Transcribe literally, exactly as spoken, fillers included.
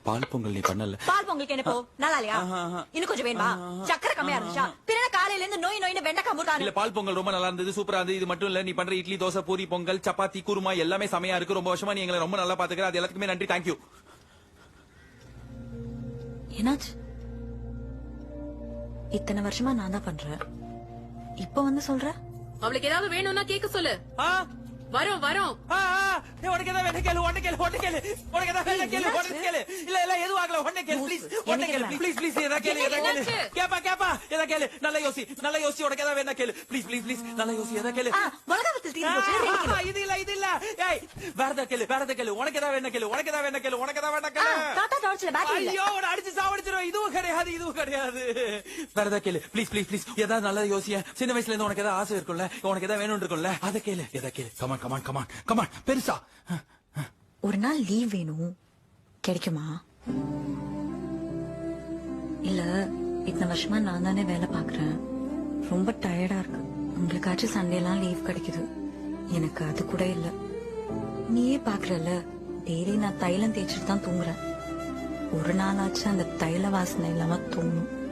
பால் பொங்கல் நீ பண்ணல. பால் பொங்கலுக்கு என்ன போ நல்லா இல்லையா? இன்னும் கொஞ்சம் வேணுமா? சக்கரை கம்மியா இருந்துச்சா? பின்ன காலையில இருந்து நோய் நோயின்னு வெண்டைக்காய் முறுக்கானு. இல்ல பால் பொங்கல் ரொம்ப நல்லா இருந்தது, சூப்பரா இருந்தது. இது மட்டும் இல்ல, நீ பண்ற இட்லி, தோசை, பூரி, பொங்கல், சப்பாத்தி, குருமா எல்லாமே செமையா இருக்கு. ரொம்ப வருஷமா நீ எங்களை ரொம்ப நல்லா பாத்துக்கிற. அது எல்லாத்துக்குமே நன்றி. தேங்க்யூ. என்னாச்சு? இத்தனை வருஷமா நான் தான் பண்றேன், இப்ப வந்து சொல்ற? அவளுக்கு ஏதாவது வேணும்னா கேட்க சொல்லு. வரோம் வரோம். உனக்கு ஏதாவது வேணா கேளு, உடனே கேளு, உடனே கேளு. உனக்கு ஏதாவது வேணா கேளு, உடனே கேளு. இல்ல இல்ல எதுவும் ஆகல, உடனே கேளு ப்ளீஸ். உடனே கேளு ப்ளீஸ் ப்ளீஸ். ஏதா கேளு, ஏதா கேளு. கேப்பா கேப்பா, ஏதா கேளு. நல்லா யோசி, நல்லா யோசி. உனக்கு ஏதாவது வேணா கேளு ப்ளீஸ் ப்ளீஸ் ப்ளீஸ். நல்லா யோசி, ஏதா கேளு. மிளகாவத்தல் தீந்து போச்சு. இது இல்ல இது இல்ல. ஏய் வேற ஏதா கேளு, வேற ஏதா கேளு. உனக்கு ஏதாவது வேணா கேளு, உனக்கு ஏதாவது வேணா கேளு. உனக்கு ஏதாவது வேணா கேளு. தாத்தா டார்ச்ல பேட்டரி இல்ல. ஐயோ உன்னை அடிச்சு சாவடிச்சிரும். இதுவும் கிடையாது, இதுவும் கிடையாது. வேற ஏதா கேளு ப்ளீஸ் ப்ளீஸ் ப்ளீஸ். ஏதாவது நல்லா யோசிய. சின்ன வயசுல இருந்து உனக்கு ஏதாவது ஆசை இருக்கும்ல, உனக்கு ஏதாவது வேணும் இருக்கும்ல, அதை கேளு. ஏதா கேளு. Come on come on come on come on. பெருசா ஒரு நாள் லீவ் வேணும், கிடைக்குமா? இல்ல இத்தனை வருஷமா நான் தானே வேலை பாக்குறேன், ரொம்ப டயர்டா இருக்கு. உங்களுக்காச்சும் சண்டே எல்லாம் லீவ் கிடைக்குது, எனக்கு அது கூட இல்ல. நீயே பாக்குறல, டெய்லி நான் தைலம் தேய்ச்சிட்டு தான் தூங்குறேன். ஒரு நாளாச்சும் அந்த தைல வாசனை இல்லாம தூங்கும்.